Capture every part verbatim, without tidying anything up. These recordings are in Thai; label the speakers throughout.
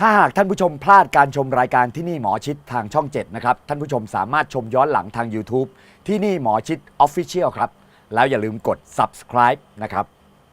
Speaker 1: ถ้าหากท่านผู้ชมพลาดการชมรายการที่นี่หมอชิดทางช่องเจ็ดนะครับท่านผู้ชมสามารถชมย้อนหลังทาง YouTube ที่นี่หมอชิด Official ครับแล้วอย่าลืมกด Subscribe นะครับ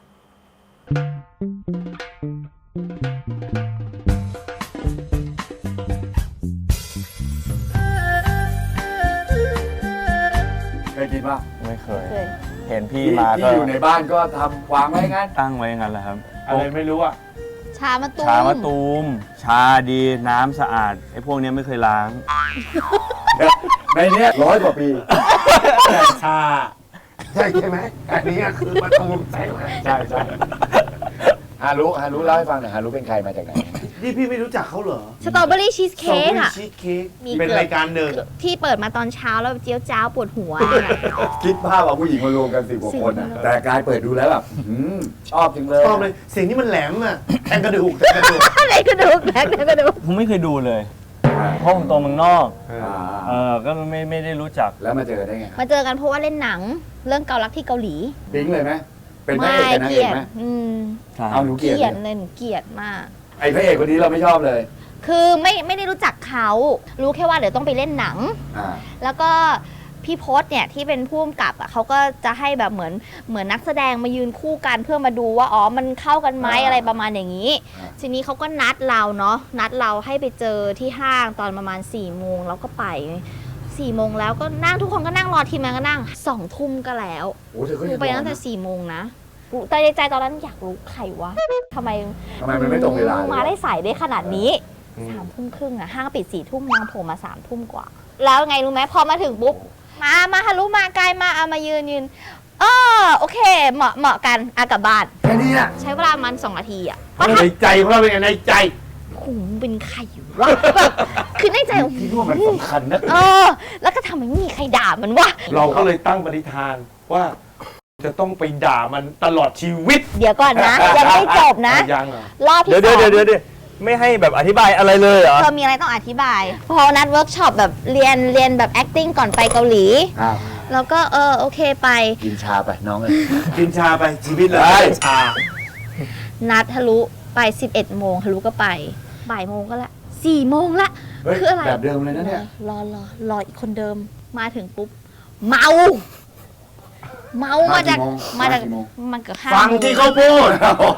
Speaker 1: เคยกินป่ะ
Speaker 2: ไม่เคย
Speaker 3: เคย
Speaker 2: เห็นพี่มาก็
Speaker 1: ที่อยู่ในบ้านก็ทำวางไว้งั้น
Speaker 2: ตั้งไว้งั้นแหละครับ
Speaker 4: อะไรไม่รู้อ่ะ
Speaker 3: ชามะตูม
Speaker 2: ชามะตูมชาดีน้ำสะอาดไอ้พวกนี้ไม่เคยล้าง
Speaker 1: ในเนี้ยร้อยกว่าปี
Speaker 4: ชาใช่ใช่ไหมอันนี้คือมะตูมใช่ไหม
Speaker 1: ใช่ใช่ฮารุฮารุเล่าให้ฟังหน่อยฮารุเป็นใครมาจากไหน
Speaker 4: นี่พี่ไม่รู้จักเขาเหรอ
Speaker 3: สตรอเบอรี่ชีสเค้กอะ
Speaker 4: ชีสเค้ก
Speaker 3: มี
Speaker 4: เป็น
Speaker 3: เกือบ
Speaker 4: รายการหนึ่ง
Speaker 3: ที่เปิดมาตอนเช้าแล้วเจียวจ้าวปวดหัวเนี่ย
Speaker 1: คิดภาพเอาผู้หญิงมารวมกันสิบกว่าคนอะแต่กายเปิดดูแล้วแบบอืมชอบจริงเลย
Speaker 4: ชอบเลยเสียงนี้มันแหลมอ่ะแทงกระดูกแทงกระดูก
Speaker 3: อะไรกระดูกแล้กระดูก
Speaker 2: ผมไม่เคยดูเลยเพราะผมโตเมืองนอก
Speaker 1: อ่า
Speaker 2: เออก็ไม่ไม่ได้รู้จัก
Speaker 1: แล้วมาเจอได้ไง
Speaker 3: มาเจอกันเพราะว่าเล่นหนังเรื่องเกาลักที่เกาหลี
Speaker 1: ปิ๊งเลยไหมเป็นพระเอกกับนาง
Speaker 3: เก
Speaker 1: เอ
Speaker 3: ลี
Speaker 1: ก
Speaker 3: ยด
Speaker 1: ไหม
Speaker 3: อืม
Speaker 1: เอาหนูเกลียด
Speaker 3: เกลียด
Speaker 1: เลย
Speaker 3: เลยหนูเกลียดมาก
Speaker 1: ไอ้พระเอกคนนี้เราไม่ชอบเลย
Speaker 3: คือไม่ไม่ได้รู้จักเขารู้แค่ว่าเดี๋ยวต้องไปเล่นหนัง
Speaker 1: อ่า
Speaker 3: แล้วก็พี่พศเนี่ยที่เป็นผู้กำกับอ่ะเขาก็จะให้แบบเหมือนเหมือนนักแสดงมายืนคู่กันเพื่อมาดูว่าอ๋อมันเข้ากันไหมอะไรประมาณอย่างนี้ ทีนี้เขาก็นัดเราเนาะนัดเราให้ไปเจอที่ห้างตอนประมาณ4ี่โมงเราก็ไปสี่โมงแล้วก็นั่งทุกคนก็นั่งรอทีมงานก็นั่งสองทุ่มก็แล้ว
Speaker 1: โอ้เธอก็
Speaker 3: กู
Speaker 1: ยัง
Speaker 3: ไปตั้งแต่สี่โมงนะกูแต่ในใจตอนนั้นอยากรู้ใครวะทำไม
Speaker 1: ทำไมมันไม่ตรงเวลาเลย
Speaker 3: มาได้สายได้ขนาดนี้สามทุ่มครึ่งอะห้างปิดสี่ทุ่มนางโผล่มาสามทุ่มกว่า แล้วไงรู้ไหมพอมาถึงปุ๊บมามาฮารุมาไกลมาเอามายืนยืนเออโอเคเหมาะเหมาะกันอากลับบ้าน
Speaker 1: แค่นี้อะ
Speaker 3: ใช้เวลามันสองนาทีอะ
Speaker 4: ในใจของเราเป็นไงในใจ
Speaker 3: หูเป็นใครวะแบบคือในใจ
Speaker 1: พี่ว่ามันสำคัญนะ
Speaker 3: เออ แล้วก็ทำไมไม่มีใครด่ามันวะ
Speaker 4: เราก็เลยตั้งปณิธานว่า จะต้องไปด่ามันตลอดชีวิต
Speaker 3: เดี๋ยวก่อนนะ ยังไม่จบนะ
Speaker 4: ยังเหรอ
Speaker 3: รอบที่
Speaker 2: เดี๋ยว
Speaker 3: ส
Speaker 2: เดี๋
Speaker 3: อ
Speaker 2: ยว
Speaker 3: ง
Speaker 2: เดี๋ยวเดี๋ยวไม่ให้แบบอธิบายอะไรเลยเหรอ
Speaker 3: เธอมีอะไรต้องอธิบาย พอนัดเวิร์กช็อปแบบเรียนเรียนแบบ acting ก่อนไปเกาหลี
Speaker 1: อ้าว
Speaker 3: แล้วก็เออโอเคไป
Speaker 1: กินชาไปน้องเลย
Speaker 4: กินชาไปชีวิตเลย
Speaker 1: ได้
Speaker 4: ชา
Speaker 3: นัดทะลุไปสิบเอ็ดโมงทะลุก็ไปบ่ายโมงก็ละสี่โมงละ
Speaker 1: เฮ้ย
Speaker 3: คืออะไร
Speaker 1: แบบเดิมเลยนะเนี่ย
Speaker 3: รอรอรออีกคนเดิมมาถึงปุ๊บ เมา เมามาจากมาจากมันเกือบห้า
Speaker 4: ฟังที่เขาพูด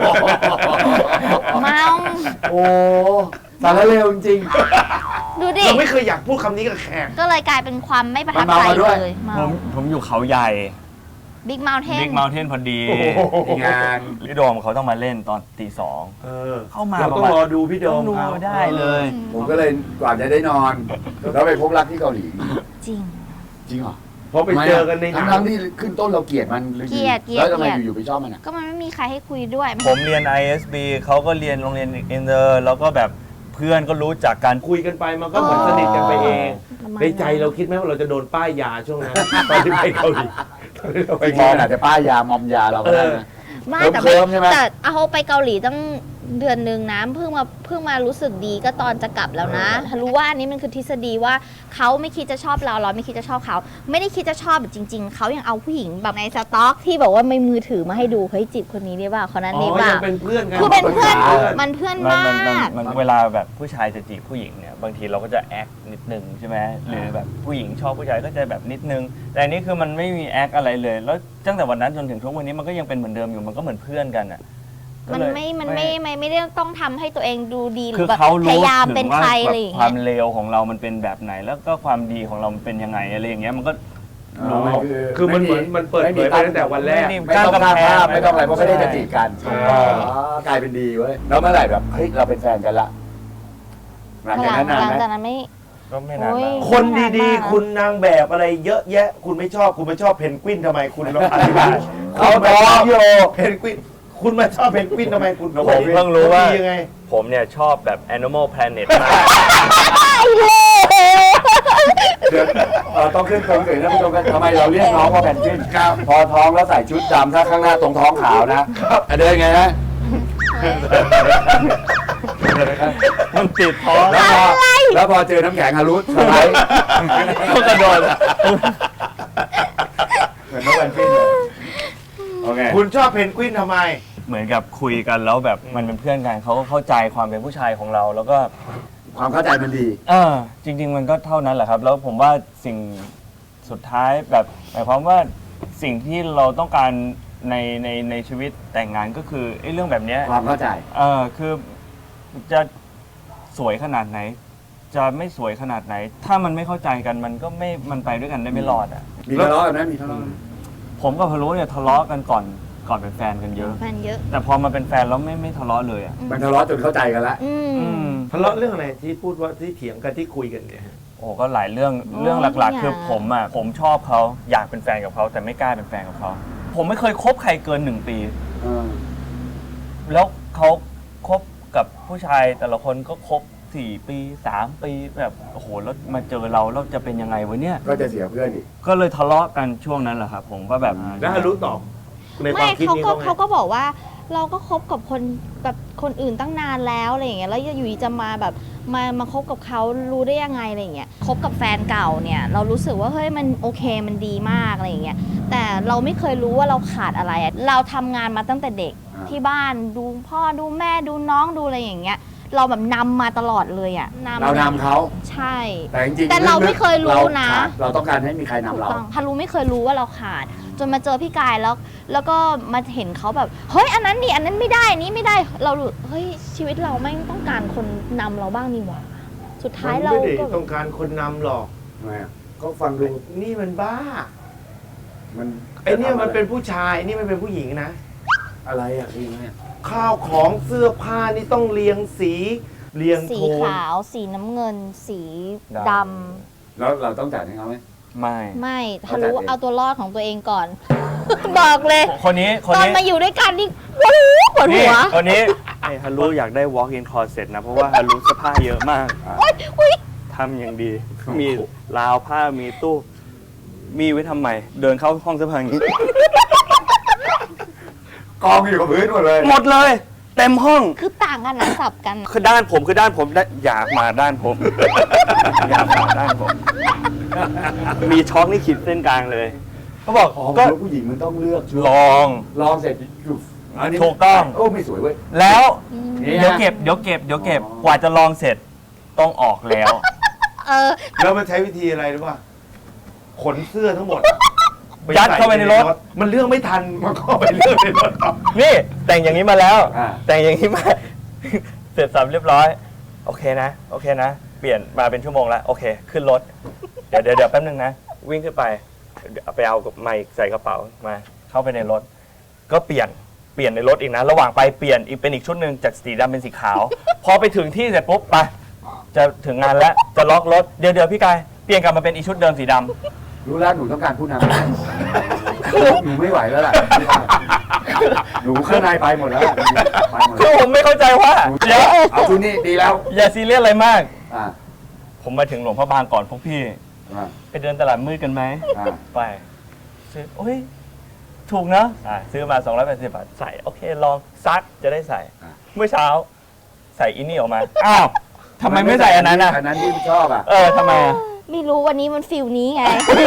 Speaker 3: เมา
Speaker 1: โอ้สารเลวจริง
Speaker 3: ดูดิ
Speaker 4: เราไม่เคยอยากพูดคำนี้กับแขก
Speaker 3: ก็เลยกลายเป็นความไม่ประทับ
Speaker 1: มัน
Speaker 3: ใจ
Speaker 1: เมามาด้วย
Speaker 3: เลยเมา
Speaker 2: ผมผมอยู่เขาใหญ่
Speaker 3: บิ๊กเมาเทน
Speaker 2: บิ๊กเมลเทนพอดี
Speaker 1: ๆงาน
Speaker 2: พี่โดมเขาต้องมาเล่นตอนตีสอง
Speaker 4: เออ
Speaker 2: เข้ามา
Speaker 4: เราต้องรอดูพี่โด
Speaker 2: ต้อ
Speaker 4: ม
Speaker 2: งดู
Speaker 4: เอา
Speaker 2: ได้เลย
Speaker 1: ผมก็เลยกว่าจะได้นอน แล้วไปพบรักที่เกาหลี
Speaker 3: จริง
Speaker 1: จริงเหรอ
Speaker 4: เพราะไปเจอกันในหนัง
Speaker 1: ทั้งๆที่ขึ้นต้นเราเกลียดมันหรือ
Speaker 3: เกลียดเกลียด
Speaker 1: แล้วทำไม
Speaker 3: เกลียด
Speaker 1: อยู่ๆไปชอบมันอ่ะ
Speaker 3: ก็มันไม่มีใครให้คุยด้วย
Speaker 2: ผมเรียน ไอ เอส บี เขาก็เรียนโรงเรียนอินเตอร์แล้วก็แบบเพื่อนก็รู้จักกัน
Speaker 4: คุยกันไปมันก็เหมือนสนิทกันไปเอง
Speaker 3: ประมาณ
Speaker 4: ในใจเราคิดไหมว่าเราจะโดนป้ายยาช่วงนั้นตอนที่ไปเกาหลีตอนที่เรา
Speaker 1: ไป
Speaker 4: ไป
Speaker 1: มอ
Speaker 4: เกาง หลี
Speaker 1: อาจจะป้ายยามอมยาเราก็ได้นะ
Speaker 3: ไม่แต่
Speaker 1: เคลิ้มๆใช่ไหม
Speaker 3: แต่เอาไปเกาหลีตั้งเดือนหนึ่งนะเพิ่งมาเพิ่งมารู้สึกดีก็ตอนจะกลับแล้วนะรู้ว่าอันนี้มันคือทฤษฎีว่าเขาไม่คิดจะชอบเราเราไม่คิดจะชอบเขาไม่ได้คิดจะชอบแบบจริง ๆเขายังเอาผู้หญิงแบบในสต็อกที่บอกว่าไม่มือถือมาให้ดูเฮ้ยจีบคนนี้ได้ป่ะคนนั้น
Speaker 4: อ๋
Speaker 3: ได้
Speaker 4: อ
Speaker 3: ป่ะ
Speaker 4: ยังเป็นเพื่อนกัน
Speaker 3: คือเป็นเพื่อน
Speaker 1: เพื่อน
Speaker 3: มันเพื่อน
Speaker 2: มัน
Speaker 3: ม
Speaker 2: มันมัน
Speaker 3: าก
Speaker 2: มันเวลาแบบผู้ชายจะจีบผู้หญิงเนี่ยบางทีเราก็จะแอคนิดนึงใช่ไหมหรือแบบผู้หญิงชอบผู้ชายก็จะแบบนิดนึง แต่อันนี้คือมันไม่มีแอคอะไรเลย แล้วตั้งแต่วันนั้นจนถึงทุกวันนี้มันก็ยังเป็นเหมือนเดิมอยู่มันก็เหมือนเพื่อนกันอ่ะก็
Speaker 3: มัน
Speaker 2: เลย
Speaker 3: ไม่มันไม่ไม่ไม่ได้ต้องทำให้ตัวเองดูดีหรื
Speaker 2: คือ
Speaker 3: อแบบ
Speaker 2: เขา
Speaker 3: พ
Speaker 2: รู้
Speaker 3: ยายาม
Speaker 2: ถึ
Speaker 3: เป็น
Speaker 2: งว่า
Speaker 3: ใคร
Speaker 2: แบ
Speaker 3: อะไร
Speaker 2: บ
Speaker 3: อย่าง
Speaker 2: ควา
Speaker 3: เงี้
Speaker 2: ม
Speaker 3: ย
Speaker 2: เลวของเรามันเป็นแบบไหน แล้วก็ความดีของเรามันเป็นยังไงอะไรอย่างเงี้ยมันก็
Speaker 1: อ๋อ
Speaker 4: คือมันเหมือนมันเปิดเผยไปตั้งแต่วันแรก
Speaker 2: ไม่มี
Speaker 1: ไม่ต้องสร้างภาพไม่ต้องอะไรเพราะไม่ได้จะจีบกัน
Speaker 4: ใช่
Speaker 1: อ๋อกลายเป็นดีเว้ยแล้วเมื่อไหร่แบบเฮ้ยเราเป็นแฟนกันละหลัง
Speaker 3: ห
Speaker 1: จาก
Speaker 3: ลัง
Speaker 1: นั้นนาน
Speaker 3: หลัง
Speaker 1: ไหม
Speaker 3: จากนั้นไม่
Speaker 2: ก็ไม่นาน
Speaker 3: โอ้ย
Speaker 2: มาก
Speaker 4: คนดีๆ คุณนางแบบอะไรเยอะแยะ คุณไม่ชอบคุณไม่ชอบเพนกวินทำไมคุณลองอธิบาย
Speaker 1: เขา
Speaker 4: คุณ
Speaker 1: บ
Speaker 4: มา
Speaker 1: อ
Speaker 4: ชอบ
Speaker 1: กโย
Speaker 4: เพนกวินคุณมาชอบเพนกวินทำไมคุณ
Speaker 2: ผมเพิ่งรู้ว่า
Speaker 4: ดียังไง
Speaker 2: ผมเนี่ยชอบแบบ Animal Planet มาก
Speaker 1: เดี๋ยวเอ่อต้องขึ้นตรงเสร็จนะผู้ชมกันทำไมเราเรียกน้องว่าแพนกวินพอท้องแล้วใส่ชุดดำถ้าข้างหน้าตรงท้องขาวนะอ่ะเดินไงนะ
Speaker 2: มันติดท้อง
Speaker 1: แล้วพอแล้วพอเจอน้ำแข็งฮารุสไลด์
Speaker 2: ก็กระโดด
Speaker 1: เหมือนน้องแพนกวินเลยโอเค
Speaker 4: คุณชอบเพนกวินทำไม
Speaker 2: เหมือนกับคุยกันแล้วแบบมันเป็นเพื่อนกันเขาก็เข้าใจความเป็นผู้ชายของเรา แล้วก็
Speaker 1: ความเข้าใจมันดี
Speaker 2: เออจริง ๆ มันก็เท่านั้นแหละครับ แล้วผมว่าสิ่งสุดท้ายแบบหมายความว่าสิ่งที่เราต้องการในในในชีวิตแต่งงานก็คือไอ้เรื่องแบบเนี้ย
Speaker 1: ความเข้าใจ
Speaker 2: เออคือจะสวยขนาดไหน จะไม่สวยขนาดไหน ถ้ามันไม่เข้าใจกันมันก็ไม่มันไปด้วยกันได้ไม่รอดอ่ะ
Speaker 1: มีทะเลาะกันไหมมีทะเลาะกันไหม
Speaker 2: ผมกับพะโล้เนี่ยทะเลาะกันก่อนก่อนเป็นแฟนกันเยอะ
Speaker 3: แฟนเยอะ
Speaker 2: แต่พอมาเป็นแฟนแล้วไม่ไม่ทะเลาะเลยอ่ะ
Speaker 1: มันทะเลาะจนเข้าใจกันแล้ว
Speaker 3: อืม
Speaker 2: อืม
Speaker 4: ทะเลาะเรื่องอะไรที่พูดว่าที่เถียงกันที่คุยกันเนี่ยฮะ
Speaker 2: โอ้ก็หลายเรื่อง
Speaker 3: โอ้
Speaker 2: เรื่องหลัก
Speaker 3: ทุกอย่าง
Speaker 2: ๆ คือผมอ่ะผมชอบเขาอยากเป็นแฟนกับเขาแต่ไม่กล้าเป็นแฟนกับเขาผมไม่เคยคบใครเกินหนึ่งปี แล้วเขาคบกับผู้ชายแต่ละคนก็คบสี่ปีสามปีแบบโอ้โหแล้วมาเจอเราแล้วจะเป็นยังไงวะเนี่ย
Speaker 1: ก็จะเสียเพื่อนอีก
Speaker 2: ก็เลยทะเลาะกันช่วงนั้นแหละครับผมว่าแบบ
Speaker 4: แล้วฮารุตอบในควา
Speaker 3: ไม่
Speaker 4: มคิด
Speaker 3: เขา
Speaker 4: นี้
Speaker 3: ก็
Speaker 4: เขาไง
Speaker 3: เขาก็บอกว่าเราก็คบกับคนแบบคนอื่นตั้งนานแล้วอะไรอย่างเงี้ยแล้วอยู่ดีจะมาแบบมามาคบกับเขารู้ได้ยังไงอะไรอย่างเงี้ยคบกับแฟนเก่าเนี่ยเรารู้สึกว่าเฮ้ยมันโอเคมันดีมากอะไรอย่างเงี้ยแต่เราไม่เคยรู้ว่าเราขาดอะไรอะเราทำงานมาตั้งแต่เด็ก
Speaker 1: อ่า
Speaker 3: ที่บ้านดูพ่อดูแม่ดูน้องดูอะไรอย่างเงี้ยเราแบบนำมาตลอดเลยอะ
Speaker 1: เรานำเขา
Speaker 3: ใช่
Speaker 1: แต่จริงๆ
Speaker 3: แต่เราไม่เคยรู้
Speaker 1: เรา
Speaker 3: นะ
Speaker 1: ขาดเราต้องการให้มีใครนำ
Speaker 3: ถูก
Speaker 1: เรา
Speaker 3: ต้องฮารุไม่เคยรู้ว่าเราขาด จนมาเจอพี่กายแล้ว แล้วก็มาเห็นเขาแบบเฮ้ยอันนั้นนี่อันนั้นไม่ได้นี้ไม่ได้เรารู้เฮ้ยชีวิตเราไม่งต้องการคนนำเราบ้างนี่หว่าสุดท้าย
Speaker 4: มัน
Speaker 3: เรา
Speaker 4: ไม่ได้
Speaker 3: ก็
Speaker 4: ต้องการคนนำหรอก
Speaker 1: ทำไมอ่ะก็ฟังดู
Speaker 4: นี่มันบ้า
Speaker 1: มัน
Speaker 4: ไอ้เนี่ยมันเป็นผู้ชายนี่มันเป็นผู้หญิงนะ
Speaker 1: อะไรอ่ะพี่แม่
Speaker 4: ข้าวของเสื้อผ้านี่ต้องเรียงสีเรียง
Speaker 3: สี
Speaker 4: โทน
Speaker 3: ขาว สีน้ำเงิน สีดำ
Speaker 1: แล้วเราต้องจ่ายให้เขาไหม
Speaker 2: ไม่
Speaker 3: ไม่ฮา
Speaker 1: เข้าใจ
Speaker 3: รุ
Speaker 1: เอง
Speaker 3: เอาตัวรอดของตัวเองก่อน บอกเลย
Speaker 2: คนนี้คน
Speaker 3: ตอน
Speaker 2: นี้
Speaker 3: มาอยู่ด้วยกันนี่ปวดหัวปวด
Speaker 2: นี่
Speaker 3: หัว
Speaker 2: คนนี้ไอ้ฮารุอยากได้ walk in closet นะ เพราะว่าฮารุเสื้อผ้าเยอะมาก
Speaker 3: โอ๊ยอุ๊ย
Speaker 2: ทำอย่างดี มีราวผ้ามีตู้ มีไว้ทำไม เดินเข้าห้องเสื้อผ้าอย่างนี้
Speaker 1: กองอยู่กับพื้นหมดเลย
Speaker 2: หมดเลย เต็มห้อง
Speaker 3: คือต่างกันนะสับกัน
Speaker 2: คือด้านผมคือด้านผมได้อยากมาด้านผม อยากมาด้านผม มีช็อกนี่ขีดเส้นกลางเลยเขาบอก
Speaker 1: อ๋อ
Speaker 2: ก็
Speaker 1: ผู้หญิงมันต้องเลือกชุด
Speaker 2: ลอง
Speaker 1: ลองเสร็จอยู่นนี้
Speaker 2: ถูกต้อง
Speaker 1: โอ้ไม่สวยเว้ย
Speaker 2: แล้ว
Speaker 1: นี่
Speaker 2: เดี๋ยว
Speaker 1: นะ
Speaker 2: เก็บเดี๋ยวเก็บเดี๋ยวเก็บ
Speaker 1: อ๋อ
Speaker 2: กว่าจะลองเสร็จต้องออกแล้ว
Speaker 3: เออ
Speaker 4: แล้วมันใช้วิธีอะไรรู้ป่ะขนเสื้อทั้งหมด
Speaker 2: ยัดเข้าไปในรถ
Speaker 4: มันเลือกไม่ทันมันก็ไปเลือกในรถต่อ
Speaker 2: นี่แต่งอย่างนี้มาแล้ว
Speaker 1: อ่า
Speaker 2: แต่งอย่างนี้มา เสร็จสับเรียบร้อย โอเคนะ โอเคนะ เปลี่ยนมาเป็นชั่วโมงแล้ว โอเค ขึ้นรถ เดี๋ยวเดี๋ยวเดี๋ยวแป๊บนึงนะ วิ่งขึ้นไปเดี๋ยวเอาไปเอาไมค์ใส่กระเป๋ามา เข้าไปในรถ ก็เปลี่ยนเปลี่ยนในรถอีกนะ ระหว่างไปเปลี่ยนอีกเป็นอีกชุดหนึ่งจากสีดำเป็นสีขาว พอไปถึงที่เสร็จปุ๊บไปจะถึงงานแล้วจะล็อกรถเดี๋ยวเดี๋ยวพี่กายเปลี่ยนกลับมาเป็นอีกชุดเดิมสีดำ
Speaker 1: รู้แล้วหนูต้องการผู้นำหนูไม่ไหวแล้วล่ะหนูข้างในไปหมดแล้วไปหมด
Speaker 2: คื
Speaker 1: แล้
Speaker 2: อ
Speaker 1: ว
Speaker 2: ผมไม่เข้าใจว่า
Speaker 1: เดี๋ยวเอาชุดนี้ดีแล้ว
Speaker 2: อย่าซีเรียสอะไรมาก
Speaker 1: อ่า
Speaker 2: ผมมาถึงหลวงพ่อบางก่อนพวกพี่
Speaker 1: อ่า
Speaker 2: ไปเดินตลาดมืดกันไหม
Speaker 1: อ่า
Speaker 2: ไปซื้อโอ้ย ถูกเนอะอ่ะซื้อมาสองร้อยแปดสิบบาท ใส่ โอเค ลองซักจะได้ใส่ เมื่อเช้า ใส่อินนี่ออกมา อ้าวทำไมไม่ใส่อันนั้นอ่ะ
Speaker 1: อันนั้นที่ชอบอ่ะ
Speaker 2: เออทำไมอ่ะ
Speaker 3: ไม่รู้วันนี้มันฟิลนี้ไง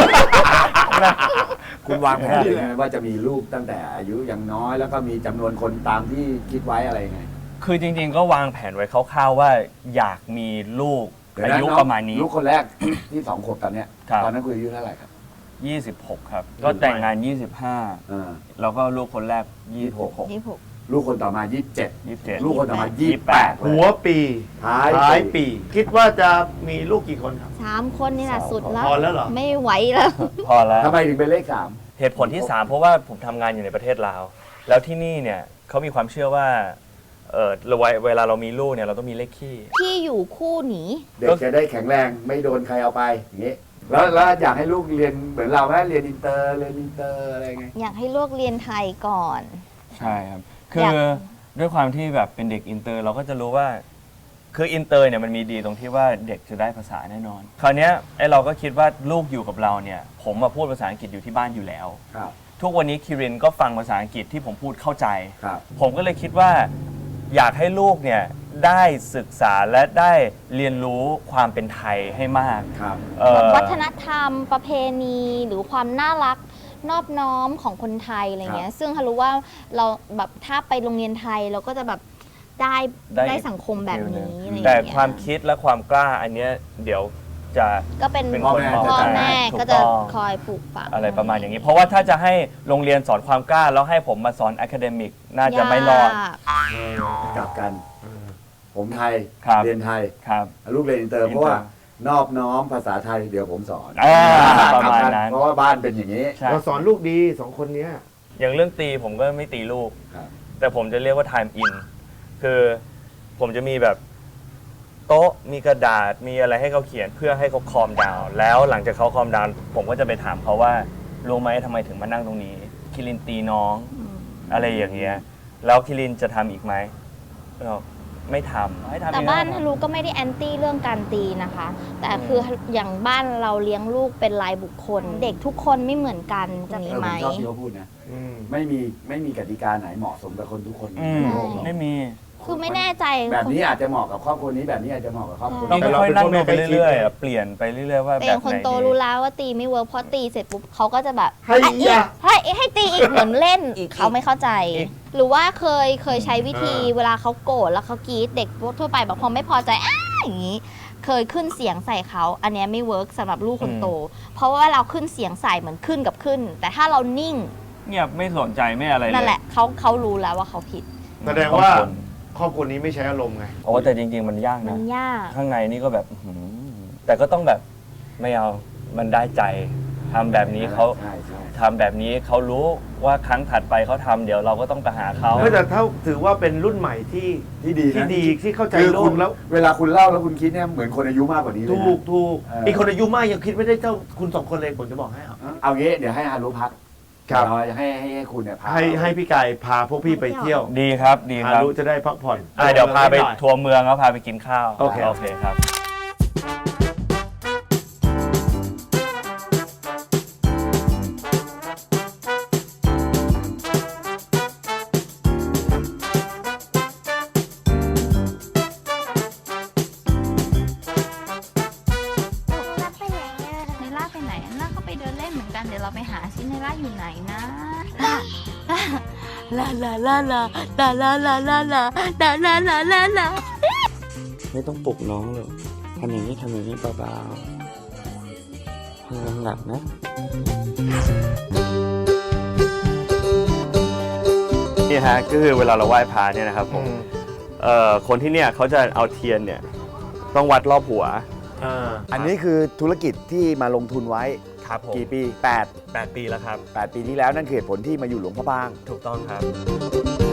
Speaker 1: คุณวางแผนยังไงว่าจะมีลูกตั้งแต่อายุยังน้อยแล้วก็มีจำนวนคนตามที่คิดไว้อะไรยังไง
Speaker 2: คือจริงๆ ก็วางแผนไว้คร่าวๆว่าอยากมีลูก
Speaker 1: เดี๋ว
Speaker 2: อา
Speaker 1: นะ
Speaker 2: ยุ
Speaker 1: น้ง
Speaker 2: ประมาณนี้
Speaker 1: ลูกคนแรกที่ที่สองขวบตอนเนี้ย
Speaker 2: ครับ
Speaker 1: ตอนนั้นคุณอายุเท่าไหร่ครับ
Speaker 2: ยี่สิบหกครับ ก็แต่งงาน ยี่สิบห้า
Speaker 1: อ่า
Speaker 2: แล้วก็ลูกคนแรก ยี่สิบหก
Speaker 3: ยี่สิบหก
Speaker 1: ลูกคนต่อมายี่สิบเจ็ด
Speaker 2: ยี่สิบเจ็ด
Speaker 1: ลูกคนต่อมายี่สิบแปด
Speaker 4: หัวปี
Speaker 1: ท้าย
Speaker 4: ท้ายปี คิดว่าจะมีลูกกี่คนครับ
Speaker 3: สามคนนี่แหละสุดแล้ว
Speaker 4: พอแล้วเหรอ
Speaker 3: ไม่ไหวแล้ว
Speaker 2: พอแล้ว
Speaker 1: ทำไมถึงเป็นเลขสาม
Speaker 2: เหตุผลที่ สาม เพราะว่าผมทำงานอยู่ในประเทศลาว แล้วที่นี่เนี่ยเขามีความเชื่อว่าเออเราเวลาเรามีลูกเนี่ยเราต้องมีเลขคี่
Speaker 3: พี่อยู่คู่หนี
Speaker 1: เด็กจะได้แข็งแรงไม่โดนใครเอาไปอย่างงี้แล้วแล้วอยากให้ลูกเรียนเหมือนเราไหมเรียนอินเตอร์เรียนอินเตอร์อะไรไง
Speaker 3: อยากให้ลูกเรียนไทยก่อน
Speaker 2: ใช่ครับ คื
Speaker 3: อยา
Speaker 2: อก ด้วยความที่แบบเป็นเด็กอินเตอร์เราก็จะรู้ว่า คืออินเตอร์เนี่ยมันมีดีตรงที่ว่าเด็กจะได้ภาษาแน่นอน คราวเนี้ยไอ้เราก็คิดว่าลูกอยู่กับเราเนี่ย ผมมาพูดภาษาอังกฤษอยู่ที่บ้านอยู่แล้ว
Speaker 1: ครับ
Speaker 2: ทุกวันนี้คิรินก็ฟังภาษาอังกฤษที่ผมพูดเข้าใจ
Speaker 1: ครับ
Speaker 2: ผมก็เลยคิดว่าอยากให้ลูกเนี่ยได้ศึกษาและได้เรียนรู้ความเป็นไทยให้มาก
Speaker 1: ครับ
Speaker 2: เอ่อ
Speaker 3: วัฒนธรรมประเพณีหรือความน่ารักนอบน้อมของคนไทยอะไรเงี้ยซึ่งฮารู้ว่าเราแบบถ้าไปโรงเรียนไทยเราก็จะแบบได้
Speaker 2: ได้
Speaker 3: ได้สังคมแบบนี้อะไรเงี้ย
Speaker 2: แต่ความคิดและความกล้าอันเนี้ยเดี๋ยวจะ
Speaker 3: ก็เป็น
Speaker 2: เป็น
Speaker 3: พ่อ
Speaker 2: คนมอง
Speaker 3: พ่อ
Speaker 2: ได้
Speaker 3: แม่
Speaker 2: ถูก
Speaker 3: ก็จะ
Speaker 2: ต้อง
Speaker 3: คอยปลูกฝัง
Speaker 2: อะไรประมาณอย่างนี้ เพราะว่าถ้าจะให้โรงเรียนสอนความกล้า แล้วให้ผมมาสอนอะคาเดมิกน่าจะไม่รอด
Speaker 3: ยาก
Speaker 1: กลับกัน ผมไทย
Speaker 2: ครับ
Speaker 1: เรียนไทย
Speaker 2: ครับ
Speaker 1: ลูกเรียนอินเตอร์
Speaker 2: อินเตอร์
Speaker 1: เพราะว่านอบน้อมภาษาไทยเดี๋ยวผมสอน
Speaker 2: อ่าประ
Speaker 1: กลับ
Speaker 2: มาณ
Speaker 1: กัน
Speaker 2: นั้น
Speaker 1: เพราะว่าบ้านเป็นอย่างนี้
Speaker 2: ใช่
Speaker 4: เราสอนลูกดีสองคนเนี้ย
Speaker 2: อย่างเรื่องตีผมก็ไม่ตีลูก
Speaker 1: ครับ
Speaker 2: แต่ผมจะเรียกว่า time in คือผมจะมีแบบโต๊ะมีกระดาษมีอะไรให้เขาเขียนเพื่อให้เขาคอมดาวน์แล้วหลังจากเขาคอมดาวน์ผมก็จะไปถามเขาว่ารู้ไหมทำไมถึงมานั่งตรงนี้ คิรินตีน้อง
Speaker 3: อืม
Speaker 2: อะไรอย่างเงี้ยแล้วคิรินจะทำอีกไหมเราไม่ทำให้ทำ
Speaker 3: แต่
Speaker 2: อีก
Speaker 3: บ้าน
Speaker 2: แล้ว
Speaker 3: ฮารุก็ไม่ได้แอนตี้เรื่องการตีนะคะ แต่คืออย่างบ้านเราเลี้ยงลูกเป็นรายบุคคล เด็กทุกคนไม่เหมือนกันจะมี
Speaker 1: เออ
Speaker 3: ไห
Speaker 1: ผม มชอบที่เขาพูดนะ
Speaker 4: อืม
Speaker 1: ไม่มีไม่มีกติกาไหนเหมาะสมกับคนทุกคน
Speaker 2: อื
Speaker 1: ใน
Speaker 2: ม
Speaker 1: โลกหรอก
Speaker 2: ไม่มี
Speaker 3: คือไม่แน่ใจ
Speaker 1: แบบนี้อาจจะเหมาะกับครอบครัวนี้แบบนี้อาจจะเหมาะกับครอบครัว
Speaker 2: ต้อง
Speaker 1: นี้
Speaker 2: ค่อยๆนั่งดูไปเรื่อยๆอะเปลี่ยนไปเรื่อยๆว่า
Speaker 3: แต่
Speaker 2: แบ
Speaker 3: อบ ย่าง
Speaker 2: ไห
Speaker 3: คน
Speaker 2: น
Speaker 3: โต
Speaker 2: ดี
Speaker 3: รู้แล้วว่าตีไม่เวิร์กพอตีเสร็จปุ๊บเขาก็จะแบบ
Speaker 4: ให้
Speaker 3: อ่ะ
Speaker 4: อีกอ่ะ
Speaker 3: ให้ให้ตีอีกเหมือนเล่น
Speaker 2: อีก
Speaker 3: เขาไม่เข้าใจ
Speaker 2: อีก
Speaker 3: หรือว่าเคยเคยใช้วิธี
Speaker 4: อ่า
Speaker 3: เวลาเขาโกรธแล้วเขากรีดเด็กทั่วไปแบบพอไม่พอใจอ้าอย่างนี้ เคยขึ้นเสียงใส่เขาอันเนี้ยไม่เวิร์กสำหรับลูกคนโต เพราะว่าเราขึ้นเสียงใส่เหมือนขึ้นกับขึ้น แต่ถ้าเรานิ่ง
Speaker 2: เงียบไม่สนใจไม่อะไรเลย
Speaker 3: นั่นแหละเขาเขารู้แล้วว่าเขาผิด
Speaker 4: แสดงว่าครอบครัวนี้ไม่ใช้อารมณ์ไง
Speaker 2: โอ้แต่จริง ๆ มันยาก
Speaker 3: มั
Speaker 2: นะ
Speaker 3: นยาก
Speaker 2: ข้างในนี่ก็แบบอื้อหือแต่ก็ต้องแบบไม่เอา มันได้ใจทำแบบนี้เขา
Speaker 1: ใช่ใช่
Speaker 2: ทำแบบนี้เขารู้ว่าครั้งถัดไปเขาทำเดี๋ยวเราก็ต้องไปหาเขา
Speaker 4: ไม่แต่ถ้าถือว่าเป็นรุ่นใหม่ที่
Speaker 1: ที่ดี
Speaker 4: ที่
Speaker 1: นะ
Speaker 4: ดีที่เข้าใจ
Speaker 1: คือ
Speaker 4: โล
Speaker 1: คุ
Speaker 4: ก
Speaker 1: ณ
Speaker 4: แล้ว
Speaker 1: เวลาคุณเล่าแล้วคุณคิดเนี่ยเหมือนคนอายุมากกว่านี้เลย
Speaker 4: ถูก
Speaker 1: นะ
Speaker 4: ถูก
Speaker 1: เอออี
Speaker 4: อีกคนอายุมากยังคิดไม่ได้เท่าคุณสองคนเลยผมจะบอกให้เอา
Speaker 1: เอางี้เดี๋ยวให้ฮารุพัก
Speaker 4: ครับ
Speaker 1: เราจะให้ให้ให้คุณเนี่ยพา
Speaker 4: ให้ให้พี่กายพาพวกพี่ไปเที่ยว
Speaker 2: ดีครับดี
Speaker 4: ฮา
Speaker 2: ครับ
Speaker 4: รุจะได้พักผ่อน
Speaker 2: อ่ะเดี๋ยวพาไป
Speaker 4: หน่อย
Speaker 2: ทัวร์เมืองแล้วพาไปกินข้าว
Speaker 4: โอเค
Speaker 2: โอเคครับ
Speaker 3: ล่าไปไหนอะในล่าไปไหนล่าก็ไปเดินเล่นเหมือนกัน เดี๋ยวเราไปหาซิในล่าอยู่ไหนนะล่าล่าล่าล่าล่าล่าล่าล่าล่าล่าล่าล่าล่าล่าล่า
Speaker 2: ไม่ต้องปลุกน้องเลยทำอย่างนี้ทำอย่างนี้เบาๆให้น้องหลับนะนี่ฮะก็คือเวลาเราไหว้พระเนี่ยนะครับผมเอ่อคนที่เนี่ยเขาจะเอาเทียนเนี่ยต้องวัดรอบหัว
Speaker 4: อ่า
Speaker 1: อันนี้คือธุรกิจที่มาลงทุนไว้
Speaker 2: ครับผม
Speaker 1: กี่ปีแปด
Speaker 2: แปดปีแล้วครับ
Speaker 1: แปดปีที่แล้วนั่นคือเหตุผลที่มาอยู่หลวงพระบาง
Speaker 2: ถูกต้องครับ